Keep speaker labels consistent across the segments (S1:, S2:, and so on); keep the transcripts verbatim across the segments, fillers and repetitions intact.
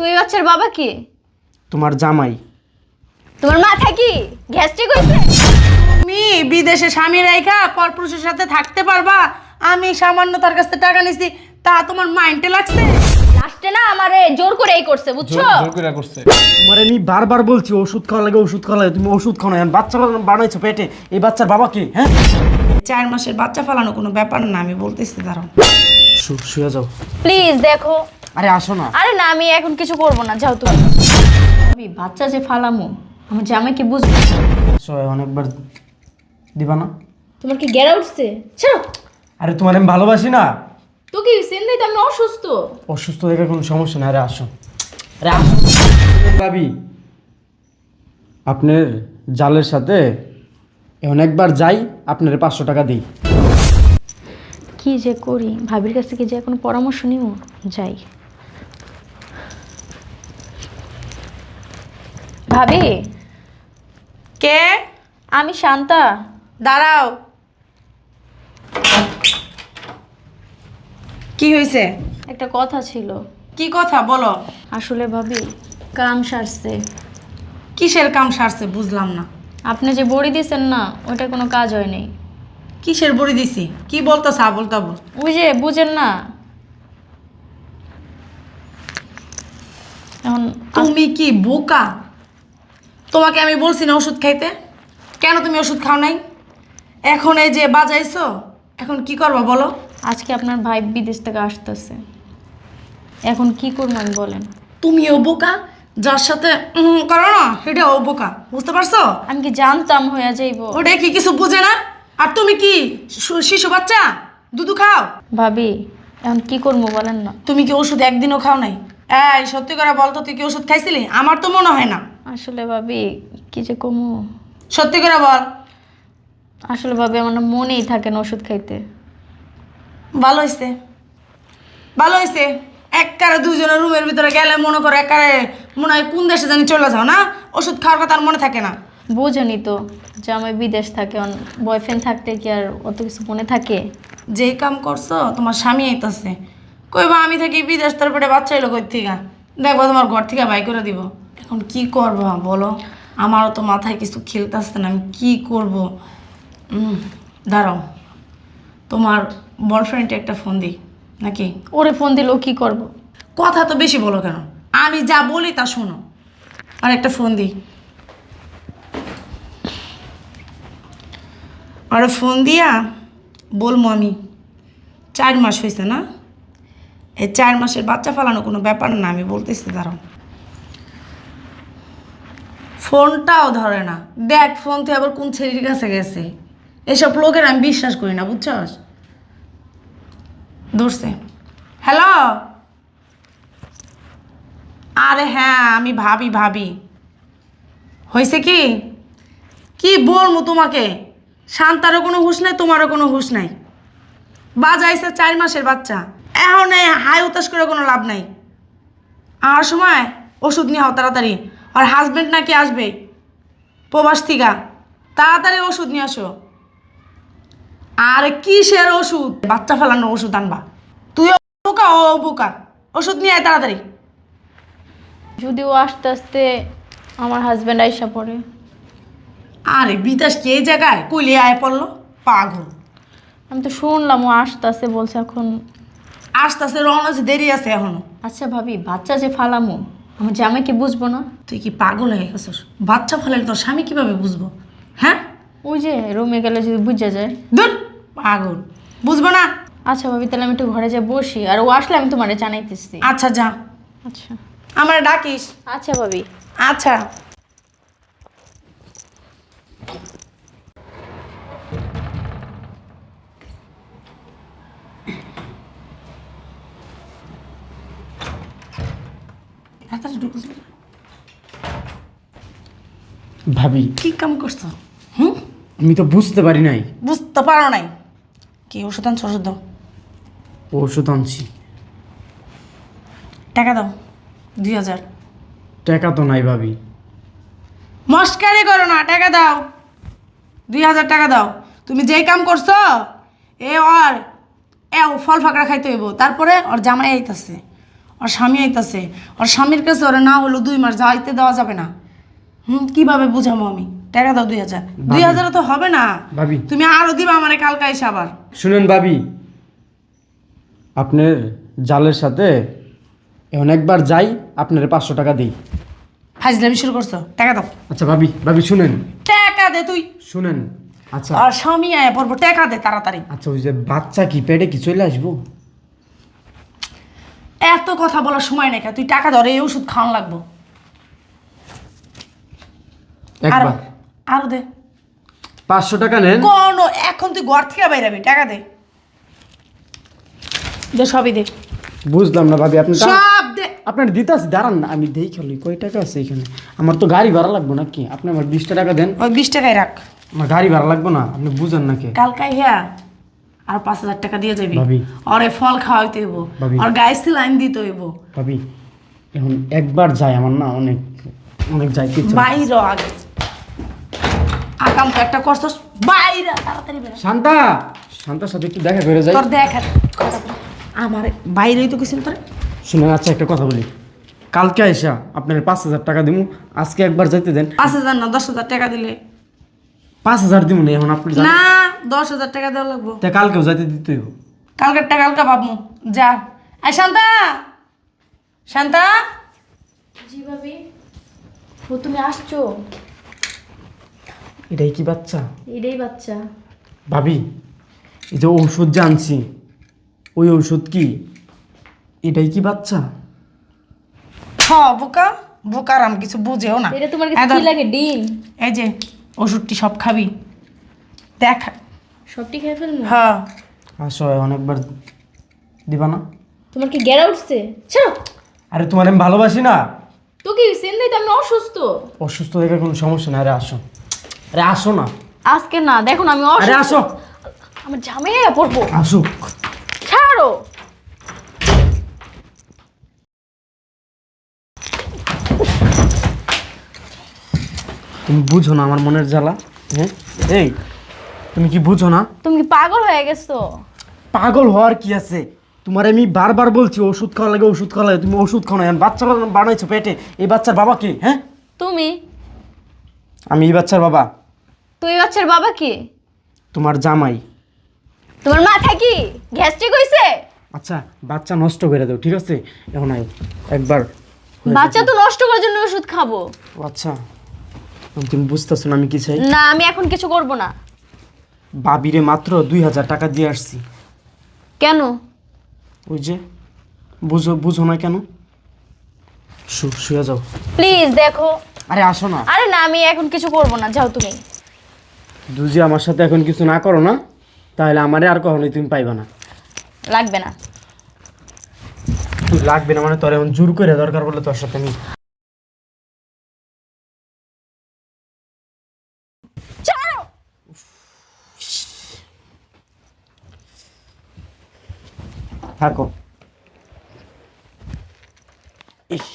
S1: তুই বাচ্চার বাবা কি?
S2: তোমার জামাই।
S1: তোমার মাথা কি গ্যাস্ট্রিক হইছে?
S3: তুমি বিদেশে স্বামী রাইখা পরপুরুষের সাথে থাকতে পারবা? আমি সামান্য তার কাছ থেকে টাকা নিছি, তা তোমার মাইন্ডে লাগছে?
S1: লাস্টে না আমারে জোর করে এই করছে, বুঝছো?
S4: জোর করে করছে।
S2: তোমার আমি বারবার বলছি ওষুধ খাওয়া লাগে, ওষুধ খাওয়া লাগে, তুমি ওষুধ খাও না। এখন বাচ্চা বানাইছো পেটে, এই বাচ্চার বাবা কে? হ্যাঁ,
S3: চার মাসের বাচ্চা ফালানো কোনো ব্যাপার না, আমি বলতেছি। দাঁড়াও,
S2: শু- শুয়ে যাও।
S1: প্লিজ দেখো।
S2: আরে আসো না।
S1: আরে না, আমি এখন কিছু করব না, যাও তুমি। ভাবি বাচ্চা যে ফালামু, আমার জামাই কি বুঝবে?
S2: আসো, অনেকবার দিবা না?
S1: তোমার কি গেরা উঠছে? ছাড়ো।
S2: আরে তোমার আমি ভালোবাসি না।
S1: তো কি সেন্দাই তো আমি অসুস্থ।
S2: অসুস্থ দেখে কোনো সমস্যা না। আরে আসো, আরে আসো। ভাবি, আপনার জালের সাথে অনেকবার যাই, আপনার পাঁচশো টাকা দিই।
S1: কি যে করি, ভাবির কাছ থেকে যে কোনো পরামর্শ নিব, যাই। ভাবি,
S3: কে?
S1: আমি শান্তা।
S3: দাঁড়াও, কি হয়েছে?
S1: একটা কথা ছিল।
S3: কি কথা বলো?
S1: আসলে ভাবি, কাম সারছে।
S3: কিসের কাম সারছে বুঝলাম না।
S1: আপনি যে বড়ি দিয়েছেন না, ওটা কোনো কাজ হয় নাই।
S3: কিসের বড়ি দিছি? কি বলতেছ আবল তাবল?
S1: ওই যে বুঝেন না। এখন
S3: তুমি কি বোকা? তোমাকে আমি বলছি না ওষুধ খাইতে? কেন তুমি ওষুধ খাও নাই? এখন এই যে বাজাইছো, এখন কি করবা বলো?
S1: আজকে আপনার ভাই বিদেশ থেকে আসতেছে, এখন কি করবো আমি বলেন?
S3: তুমিও বোকা, যার সাথে উম করো না সেটাও বোকা, বুঝতে পারছো?
S1: আমি কি জানতাম হইয়া যাইব?
S3: ওটা কি কিছু বুঝে না? আর তুমি কি শু- শিশু বাচ্চা? দুধু খাও?
S1: ভাবি এখন কি করবো বলেন না?
S3: তুমি কি ওষুধ একদিনও খাও নাই? এই সত্যি করে বলতো, তুই কি ওষুধ খাইছিলি? আমার তো মনে হয় না।
S1: আসলে ভাবি কি যে কমু,
S3: সত্যি করে বল।
S1: আসলে ভাবি আমার না মনেই থাকে না ওষুধ খাইতে।
S3: ভালো হয়েছে, ভালো হয়েছে। একবারে দুজনের রুমের ভিতরে গেলে মনে করো একবারে মনে হয় কোন দেশে জানি চলে যাও না, ওষুধ খাওয়ার কথা আর মনে থাকে না।
S1: বোঝেনি তো যে আমি বিদেশ থাকে, বয়ফ্রেন্ড থাকতে কি আর অত কিছু মনে থাকে?
S3: যেই কাম করছো তোমার স্বামী আইতাছে, কইবা আমি থাকি বিদেশ, তারপরে বাচ্চা এলো কই থেকে, দেখবো তোমার ঘর থেকে বাই করে দিব। এখন কি করবা বলো? আমারও তো মাথায় কিছু খেলতেছে না, আমি কি করব? উম, দাঁড়াও, তোমার বয়ফ্রেন্ডে একটা ফোন দিই নাকি?
S1: ওরে ফোন দিলেও কি করব?
S3: কথা তো বেশি বলো কেন? আমি যা বলি তা শোনো। আর একটা ফোন দিই, আরে ফোন দিয়া বলবো আমি চার মাস হয়েছে না, এই চার মাসের বাচ্চা ফালানো কোনো ব্যাপার না, আমি বলতেছি। দাঁড়াও, ফোনটাও ধরে না। দেখ ফোন থেকে আবার কোন ছেলের কাছে গেছে। এসব লোকের আমি বিশ্বাস করি না, বুঝছস? ধরছে। হ্যালো, আরে হ্যাঁ আমি ভাবি ভাবি হয়েছে কি? কি বলবো তোমাকে? শান্তারও কোনো হুঁশ নাই, তোমারও কোনো হুঁশ নাই। বাজাইছে চার মাসের বাচ্চা, এখন এই হাই উতাস করে কোনো লাভ নাই। আর সময় ওষুধ নিয়ে হও তাড়াতাড়ি। আর হাজবেন্ড নাকি আসবে প্রবাস থেকে, তাড়াতাড়ি ওষুধ নিয়ে আসো। আর কিসের ওষুধ? বাচ্চা ফেলানোর ওষুধ আনবা। তুইও বোকা ও বোকা, ওষুধ নিয়ে আয় তাড়াতাড়ি।
S1: যদিও আস্তে আস্তে আমার হাজব্যান্ড আইসা পড়ে।
S3: আরে বিদেশ কি এই জায়গায় কইলে আয় পড়লো? পাগল।
S1: আমি তো শুনলাম ও আসতেছে বলছে, এখন
S3: আস্তে আস্তে রওনা আছে, দেরি আছে এখনো।
S1: আচ্ছা ভাবি বাচ্চা যে ফালামু, আমার জামাই কি বুঝবো না?
S3: তুই কি পাগল হয়ে গেছিস? বাচ্চা ফেলালে তোর স্বামী কিভাবে বুঝবো? হ্যাঁ,
S1: ওই যে রুমে গেলে যদি বুঝা যায়।
S3: ধুর পাগল, বুঝবো না।
S1: আচ্ছা ভাবি তাহলে আমি একটু ঘরে যাই বসি, আর ও আসলে আমি তোমারে জানাইতেছি।
S3: আচ্ছা যা,
S1: আচ্ছা
S3: আমার ডাকিস।
S1: আচ্ছা ভাবি।
S3: আচ্ছা।
S2: ভাবি,
S3: কি কাম করছো? হুম,
S2: আমি তো বুঝতে পারি নাই।
S3: বুঝতে পারো নাই? কি ওষুধ আনছো? ওষুধ দাও।
S2: ওষুধ আনছি।
S3: টাকা দাও, দুই হাজার।
S2: টাকা তো নাই ভাবি।
S3: মস্কারি করো না, টাকা দাও, দুই হাজার টাকা দাও। তুমি যেই কাম করছো এ ওর এ ফল ফাঁকড়া খাইতে হইব, তারপরে ওর জামাই আইতাছে, ওর স্বামী আইতাছে, ওর স্বামীর কাছে ওরা না হলো দুই মাস যাইতে দেওয়া যাবে না। হুম, কিভাবে বুঝাবো আমি? টাকা দাও দুই হাজার। দুই হাজারও তো হবে না
S2: ভাবি।
S3: তুমি আরো দিবা আমারে কালকে এসে আবার।
S2: শুনেন ভাবি, আপনার জালের সাথে অনেকবার যাই, আপনার পাঁচশো টাকা দিই।
S3: ফাজলামি শুরু করছো, টাকা দাও।
S2: আচ্ছা ভাবি, ভাবি শুনেন,
S3: টাকা দে তুই।
S2: শুনেন। আচ্ছা
S3: আর স্বামী আয় পড়বো, টাকা দে তাড়াতাড়ি।
S2: আচ্ছা, ওই যে বাচ্চা কি পেটে কি চলে আসবো?
S3: এত কথা বলার সময় নেই, তুই টাকা ধরে এই ওষুধ খাওয়ান লাগবো। আরো
S2: একবার
S3: আরো দে।
S2: পাঁচশো টাকা নেন।
S3: কোন এখন তুই ঘর থেকে বাইরাবি, টাকা দে। দে সবই দে,
S2: বুঝলাম না ভাবি, আপনি
S3: সব দে।
S2: আপনার দিতে আছে, দাঁড়ান না, আমি দেই খালি কয় টাকা আছে এখানে। আমার তো গাড়ি ভাড়া লাগবে নাকি? আপনি আমার বিশটা টাকা দেন।
S3: ওই বিশ টাকায় রাখ।
S2: আমার গাড়ি ভাড়া লাগবে না, আপনি বুঝেন নাকি?
S3: কালকাই হ্যাঁ আর পাঁচ হাজার টাকা দিয়ে যাবি।
S2: ভাবি।
S3: ওরে ফল খাওয়াইতে হইব,
S2: ভাবি।
S3: আর গায়ে সিলাইন দিতে হইব।
S2: ভাবি এখন একবার যাই, আমার না অনেক অনেক যাইতে ইচ্ছা।
S3: বাইরে আগে আকাম তো একটা করছস, বাইরে তাড়াতাড়ি বেরো।
S2: শান্তা, শান্তার সাথে একটু দেখা করে যাই।
S3: তোর দেখা আমার বাইরেই তো কিছু তোর।
S2: শুনেন, আচ্ছা একটা কথা বলি, কালকে আইসা আপনার পাঁচ হাজার টাকা দিব, আজকে একবার যাইতে দেন।
S3: পাঁচ হাজার না দশ হাজার টাকা দিলে।
S2: পাঁচ হাজার দিব না এখন, আপনি জানেন।
S3: না দশ হাজার টাকা দেওয়া লাগবো।
S2: তা কালকেও যাইতে দিতে হইব।
S3: কালকেরটা কালকে ভাবমু। যা এই শান্তা, শান্তা।
S1: জি ভাবি। ও তুমি আসছো?
S2: এটাই কি বাচ্চা?
S1: এটাই বাচ্চা।
S2: ভাবি এই যে ঔষধ যে আনছি, ওই ঔষধ কি এটাই কি বাচ্চা?
S3: হ বোকা, বোকার আমি কিছু বুঝেও না।
S1: এটা তোমার
S3: এই
S1: কাছে
S3: ধর,
S1: কি লাগে? ডিম?
S3: এই যে ওষুধটি সব খাবি, দেখ।
S1: সবটি খেয়ে ফেলবো?
S3: হ্যাঁ
S2: আসো, অনেকবার দিবা না?
S1: তোমার কি গ্যারা উঠছে? ছাড়ো।
S2: আরে তোমার আমি ভালোবাসি না।
S1: তো কি সেন্দাই তো আমি অসুস্থ।
S2: অসুস্থ দেখে কোনো সমস্যা না। আরে আসো, আরে আসো না।
S1: আজকে না, দেখো না আমি
S2: আরে
S1: অসুস্থ।
S2: আসো,
S1: আমার ঝামেলা পড়বো।
S2: আসো।
S1: ছাড়ো।
S2: তুমি বুঝো না আমার মনের জ্বালা? হ্যাঁ এই, তুমি কি বুঝো না?
S1: তুমি কি পাগল হয়ে গেছো?
S2: পাগল হওয়ার কি আছে? তোমার আমি বারবার বলছি ওষুধ খাওয়া লাগে, ওষুধ খাওয়া লাগে, তুমি ওষুধ খাও না। এখন বাচ্চা বানাইছো পেটে, এই বাচ্চার বাবা কে? হ্যাঁ
S1: তুমি?
S2: আমি এই বাচ্চার বাবা।
S1: তুই বাচ্চার বাবা কি?
S2: তোমার জামাই।
S1: তোমার মাথা কি গ্যাস্ট্রিক হইছে?
S2: আচ্ছা বাচ্চা নষ্ট করে দাও, ঠিক আছে? এখন আয় একবার।
S1: বাচ্চা তো নষ্ট করার জন্য ওষুধ খাবো।
S2: ও আচ্ছা, তুমি বুঝতেছো না আমি কি চাই?
S1: না আমি এখন কিছু করব না।
S2: বাবিরে মাত্র দুই হাজার টাকা দিয়ে আসছি।
S1: কেন?
S2: ওই যে বুঝো বুঝো না কেন? শু শুয়ে যাও।
S1: প্লিজ দেখো।
S2: আরে আসো না।
S1: আরে না আমি এখন কিছু করব না, যাও তুমি।
S2: দুজি আমার সাথে এখন কিছু না করো না, তাহলে আমারে আর কখনোই তুমি পাইবা না।
S1: লাগবে না।
S2: তুই লাগবে না মানে তোর এখন জোর করে দরকার বলে তোর সাথে আমি।
S1: ছাড়ো।
S2: থাকো। ইস,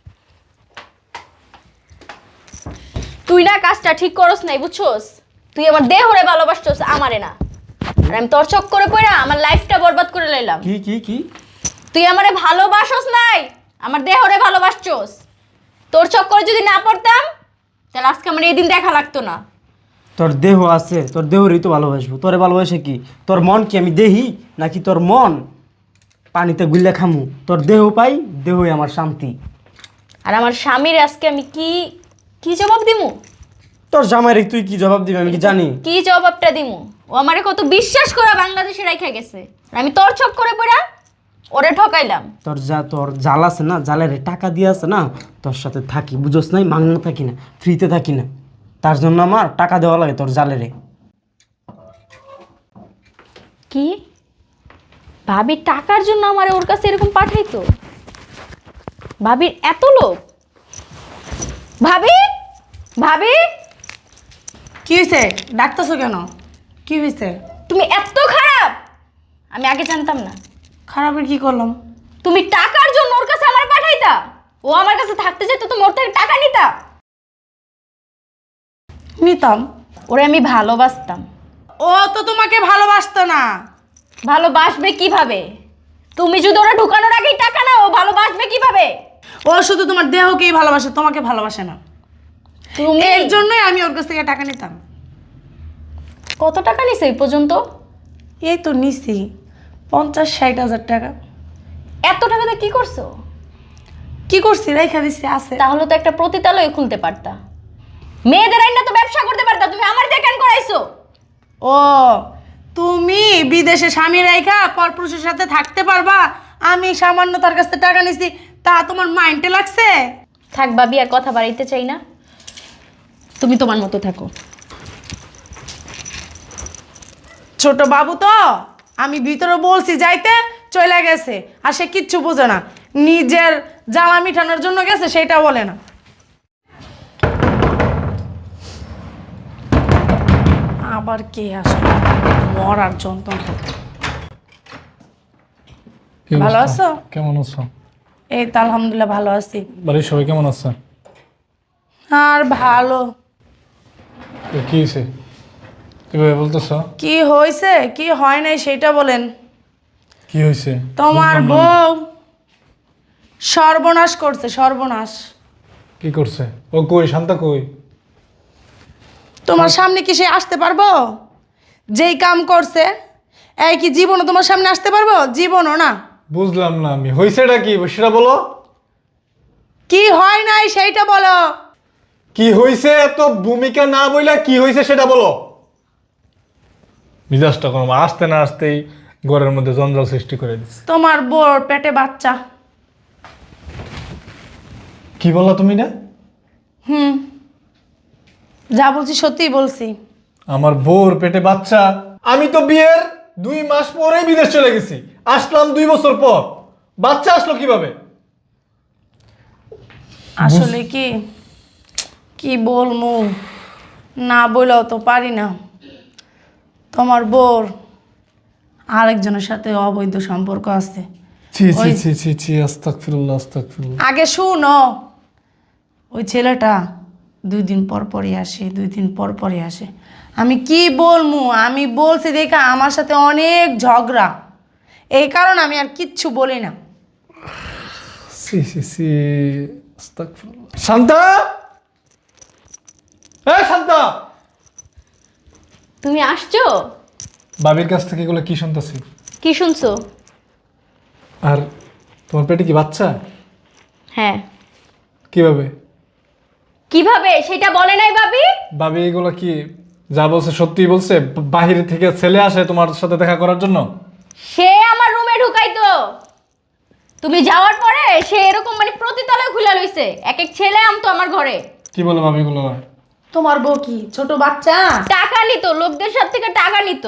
S1: তুই না কাজটা ঠিক করস নাই, বুঝছস? তুই আমার দেহরে ভালোবাসছস, আমারে না। আর আমি তোর চক্করে পড়া আমার লাইফটা বরবাদ করে লাইলাম।
S2: কি কি কি?
S1: তুই আমারে ভালোবাসস নাই, আমার দেহরে ভালোবাসছস। তোর চক্করে যদি না পড়তাম তাহলে আজকে আমার এই দিন দেখা লাগতো না।
S2: তোর দেহ আছে, তোর দেহরই তো ভালোবাসবো। তোরে ভালোবাসে কি? তোর মন কি আমি দেহি নাকি তোর মন পানিতে গুল্লে খামু? তোর দেহ পাই, দেহই আমার শান্তি।
S1: আর আমার স্বামীর আজকে আমি কি কি জবাব দিমু?
S2: তোর জামাইরে তুই কি জবাব দিবি আমি কি জানি?
S1: কি জবাবটা দিমু? ও আমারে কত বিশ্বাস করে বাংলাদেশে রাইখা গেছে, আর আমি তোর চক্করে পড়া ওরে ঠকাইলাম।
S2: তোর যা তোর জাল আছে না, জালের টাকা দিয়ে আছে না, তোর সাথে থাকি, বুঝোস নাই? মাংনা থাকি না, ফ্রিতে থাকি না, তার জন্য আমার টাকা দেওয়া লাগে তোর জালেরে।
S1: কি ভাবি টাকার জন্য আমার ওর কাছে এরকম পাঠাইতো? ভাবির এত লোভ? ভাবি, ভাবি
S3: কি হয়েছে? ডাকতেছো কেন? কি হয়েছে?
S1: তুমি এত খারাপ আমি আগে জানতাম না।
S3: খারাপের কি করলাম?
S1: তুমি টাকার জন্য ওর কাছে আমার পাঠাইতা? ও আমার কাছে থাকতে যেত, তুমি ওর থেকে টাকা নিতা?
S3: নিতাম।
S1: ওরে আমি ভালোবাসতাম।
S3: ও তো তোমাকে ভালোবাসতো না।
S1: ভালোবাসবে কিভাবে? তুমি যদি ওরা ঢুকানোর আগেই টাকা নাও, ও ভালোবাসবে কিভাবে?
S3: ও শুধু তোমার দেহকেই ভালোবাসে, তোমাকে ভালোবাসে না।
S1: তুমি
S3: এর জন্যই আমি ওর কাছ থেকে টাকা নিতাম।
S1: কত টাকা নিছে এই পর্যন্ত?
S3: এই তো নিছি পঞ্চাশ ষাট হাজার টাকা।
S1: এত টাকাতে কি করছো?
S3: কি করছি, রেখা দিচ্ছি আছে।
S1: তাহলে তো একটা প্রতিতালয় খুলতে পারতা, মেয়েদের আইনা তো ব্যবসা করতে পারতা। তুমি আমার দিয়ে কেন করাইছো?
S3: ও তুমি বিদেশে স্বামী রেখা পরপুরুষের সাথে থাকতে পারবা, আমি সামান্য তার কাছ থেকে টাকা নিছি, তা তোমার মাইন্ডে লাগছে?
S1: থাক ভাবি, আর কথা বাড়াইতে চাই না।
S3: তুমি তোমার মতো থাকো। ছোট বাবু তো, আমি ভিতরে বলছি যাইতে, চলে গেছে, আর সে কিচ্ছু বোঝে না। নিজের জ্বালা মিঠানোর জন্য গেছে, সেটা বলে না। আবার কে আসলো, মরার যন্ত্রণা।
S4: কি
S3: ভালো
S4: অবস্থা?
S3: আছো?
S4: কেমন আছো?
S3: এই তো আলহামদুলিল্লাহ ভালো আছি।
S4: বাড়ির সবাই কেমন আছে?
S3: আর ভালো
S4: তো কি হয়েছে কিভাবে বলতেছ?
S3: কি হয়েছে কি হয় নাই সেটা বলেন।
S4: কি হয়েছে?
S3: তোমার বউ সর্বনাশ করছে, সর্বনাশ।
S4: কি করছে? ও কই? শান্তা কই?
S3: তোমার সামনে কি সে আসতে পারবো? যেই কাম করছে এই কি জীবনও তোমার সামনে আসতে পারবো? জীবনও না।
S4: বুঝলাম না আমি, হয়েছেটা কি সেটা বলো।
S3: কি হয় নাই সেইটা বলো।
S4: কি হয়েছে এত ভূমিকা না বইলা কি হয়েছে সেটা বলো। মিজাজটা কোনো আসতে না আসতেই ঘরের মধ্যে জঞ্জাল সৃষ্টি করে দিচ্ছে।
S3: তোমার বউর পেটে বাচ্চা।
S4: কি বললা তুমি? না
S3: হুম, যা বলছি সত্যিই বলছি।
S4: আমার বউর পেটে বাচ্চা? আমি তো বিয়ের দুই মাস পরেই বিদেশ চলে গেছি, আসলাম দুই বছর পর, বাচ্চা আসলো কিভাবে?
S3: আসলে কি কি বলমু, না বলেও তো পারি না। তোমার বউর আরেকজনের সাথে অবৈধ সম্পর্ক আছে।
S4: ছি ছি
S3: ওই-
S4: ছি ছি ছি আস্তাগফিরুল্লাহ আস্তাগফিরুল্লাহ।
S3: আগে শুনো, ওই ছেলেটা দুই দিন পর পরই আসে, দুই দিন পর পরই আসে। আমি কি বলমু, আমি বলছি দেখা আমার সাথে অনেক ঝগড়া, এই কারণে আমি আর কিচ্ছু বলি না।
S4: সি সি সি আস্তাগফিরুল্লাহ। শান্তা, এই শান্তা,
S1: তুমি আসছো?
S4: বাবির কাছ থেকে এগুলো কি শুনতেছি?
S1: কি শুনছো?
S4: আর তোমার পেটে কি বাচ্চা?
S1: হ্যাঁ।
S4: কিভাবে?
S1: কিভাবে সেটা বলে নাই ভাবি?
S4: বাবি এগুলো কি যা বলছে সত্যি বলছে? বাহির থেকে ছেলে আসে তোমার সাথে দেখা করার জন্য?
S1: সে আমার রুমে ঢুকাইতো, তুমি যাওয়ার পরে সে এরকম মানে প্রতিতলায় খুলে লইছে। এক এক ছেলে আমতো আমার ঘরে।
S4: কি বলো বাবি এগুলো?
S3: তোমার বউ কি ছোট বাচ্চা?
S1: টাকা নিত, লোকদের সাথে থেকে টাকা নিত।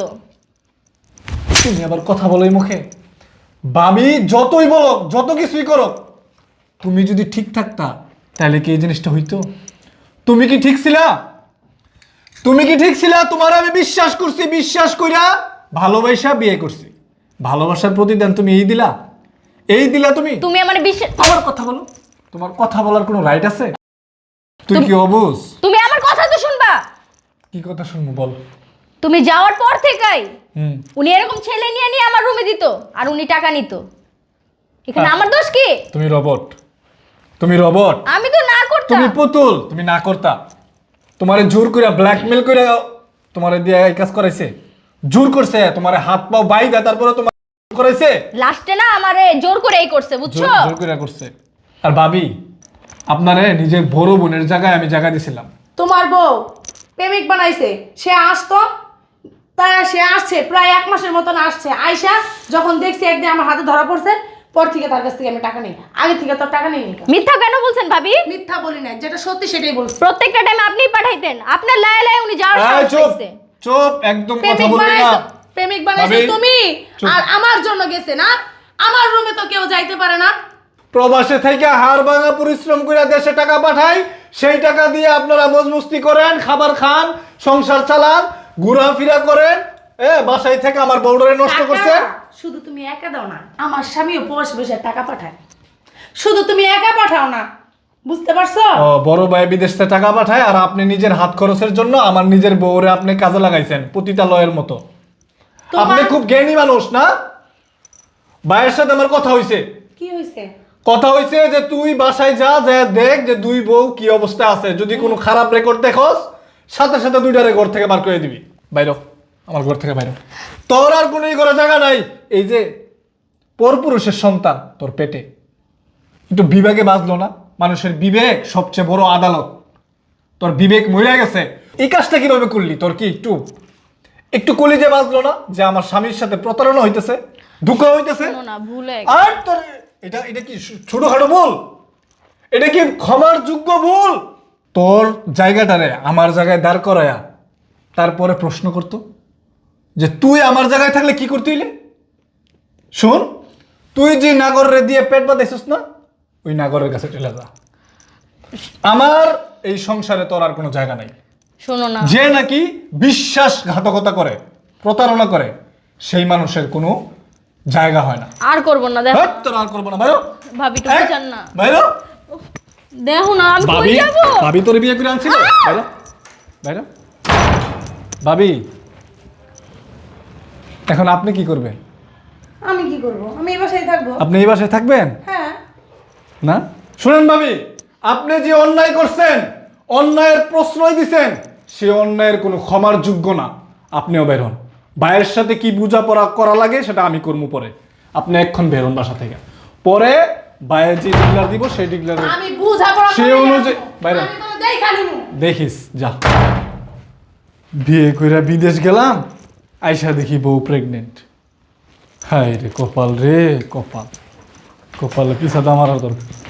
S4: তুমি আবার কথা বলো এই মুখে? বাবি যতই বলো, যত কিছুই করো, তুমি যদি ঠিক থাকতা তাহলে কি এই জিনিসটা হইতো? তুমি কি ঠিক ছিলা? তুমি কি ঠিক ছিলা? তোমার আমি বিশ্বাস করছি, বিশ্বাস কইরা ভালোবাসা বিয়ে করছি। ভালোবাসার প্রতিদান তুমি এই দিলা, এই দিলা তুমি।
S1: তুমি আমার বিশ্বাস,
S4: আবার কথা বলো। তোমার কথা বলার কোনো রাইট আছে? তুই কি অবুঝ?
S1: তুমি আমার কথা তো শুনবা।
S4: কি কথা শুনবো বল?
S1: তুমি যাওয়ার পর থেকেই
S4: হুম
S1: উনি এরকম ছেলে নিয়ে নিয়ে আমার রুমে দিত, আর উনি টাকা নিত। এখানে
S4: আহ।
S1: আমার দোষ কি?
S4: তুমি রবট, তুমি রবট,
S1: আমি তো না করতাম।
S4: তুমি পুতুল, তুমি না করতা। তোমারে জোর করে ব্ল্যাকমেল করে তোমারে দিয়ে এই কাজ করাইছে, জোর করছে, তোমারে হাত পাও বাইদা তারপরে তোমার করাইছে,
S1: লাস্টে না আমারে জোর করে এই করছে, বুঝছো?
S4: জোর জোর করে করছে। আর ভাবি আপনারে নিজের বড় বোনের জায়গায় আমি জায়গা দিছিলাম।
S3: তোমার বউ প্রেমিক বানাইছে, সে আসতো, তাই সে আসছে প্রায় এক মাসের মতন আসছে। আয়সা যখন দেখছি একদিন আমার হাতে ধরা পড়ছে, পর থেকে তার কাছ থেকে আমি টাকা নেই। আগে থেকে তো টাকা নেই।
S1: মিথ্যা কেন বলছেন ভাবি?
S3: মিথ্যা বলি না, যেটা সত্যি সেটাই বলছি।
S1: প্রত্যেকটা টাইম আপনিই পাঠাইতেন। আপনার লায়ে লায়ে উনি যাওয়ার
S4: এই
S1: সাহস
S4: চুপ
S1: পাইছে।
S4: চুপ, একদম কথা
S3: প্রেমিক
S4: বলবি না।
S3: বানাইছো, প্রেমিক বানাইছো
S4: ভাবি,
S3: তুমি,
S4: চুপ।
S3: আর আমার জন্য গেছে না। আমার রুমে তো কেউ যাইতে পারে না।
S4: প্রবাসে থেকে হাড় ভাঙা পরিশ্রম করে দেশে টাকা পাঠাই, সেই টাকা দিয়ে আপনারা মজমস্তি করেন, খাবার খান, সংসার চালান, ঘোরাফেরা করেন। এ বাসায় থেকে আমার বউডারে নষ্ট
S3: টাকা
S4: করছে।
S3: শুধু তুমি একা দাও না, আমার স্বামীও বসে বসে টাকা পাঠায়। শুধু তুমি একা পাঠাও না, বুঝতে পারছো?
S4: ও বড় ভাই বিদেশ থেকে টাকা পাঠায়, আর আপনি নিজের হাত খরচের জন্য আমার নিজের বউরে আপনি কাজে লাগাইছেন পতিতালয়ের মতো।
S3: তোমার-
S4: আপনি খুব জ্ঞানী মানুষ না? ভাইয়ের সাথে আমার কথা হয়েছে।
S3: কি হয়েছে?
S4: কথা হয়েছে যে তুই বাসায় যা, যা দেখ যে দুই বউ কি অবস্থা আছে। যদি কোনো খারাপ রেকর্ড দেখোস, সাথে সাথে দুইটারে ঘর থেকে বার করে দিবি। বাইরো, আমার ঘর থেকে বাইরো। তোর আর কোনো করার জায়গা নাই। এই যে পরপুরুষের সন্তান তোর পেটে, একটু বিবেকে বাঁচলো না? মানুষের বিবেক সবচেয়ে বড় আদালত। তোর বিবেক মরে গেছে। এই কাজটা কিভাবে করলি? তোর কি একটু একটু কলিজে বাঁচলো না যে আমার স্বামীর সাথে প্রতারণা হইতেছে, ধোঁকা হইতেছে?
S1: শোনো না, ভুলে
S4: আর তোর এটা এটা কি ছোটখাটো ভুল? এটা কি ক্ষমার যোগ্য ভুল? তোর জায়গাটারে আমার জায়গায় দাঁড় করায়া তারপরে প্রশ্ন করতো যে তুই আমার জায়গায় থাকলে কি করতে হইলে? শোন, তুই যে নাগরের দিয়ে পেট বাঁধাইছিস না, ওই নাগরের কাছে চলে যা। আমার এই সংসারে তোর আর কোনো জায়গা নাই।
S1: শোনো না,
S4: যে নাকি বিশ্বাসঘাতকতা করে, প্রতারণা করে, সেই মানুষের কোনো জায়গা হয় না।
S1: আর করব না। দেখো
S4: হ্যাট, তোর আর করবো না। বাইরো,
S1: ভাবি তুমি জান না।
S4: বাইরো।
S1: দেখো না, আমি কই
S4: ভাবি,
S1: যাব?
S4: ভাবি তোর বিয়ে করে আনছিল? বাইরো, বাইরো। ভাবি, এখন আপনি কি করবেন?
S3: আমি কি করব? আমি এই বাসায় থাকবো।
S4: আপনি এই বাসায় থাকবেন
S3: হ্যাঁ।
S4: না? শুনেন ভাবি, আপনি যে অন্যায় করছেন, অন্যায়ের প্রশ্রয় দিছেন, সে অন্যায়ের কোনো ক্ষমার যোগ্য না। আপনিও বের হন। ভাইয়ের সাথে কি বোঝাপড়া করা লাগে সেটা আমি করবো পরে। আপনি এক্ষণ বের হন বাসা থেকে। পরে ভাইয়ের যে ডিক্লার দিব সেই ডিক্লার
S3: আমি বুঝাপড়া
S4: সে
S3: করি না।
S4: অনুযায়ী বাইরে
S3: আমি তো দেখা নিমু।
S4: দেখিস যা। বিয়ে কইরা বিদেশ গেলাম, আইসা দেখি বউ প্রেগনেন্ট। হায় রে কপাল রে কপাল, কপালে পিছাতে আমার আর দরকার।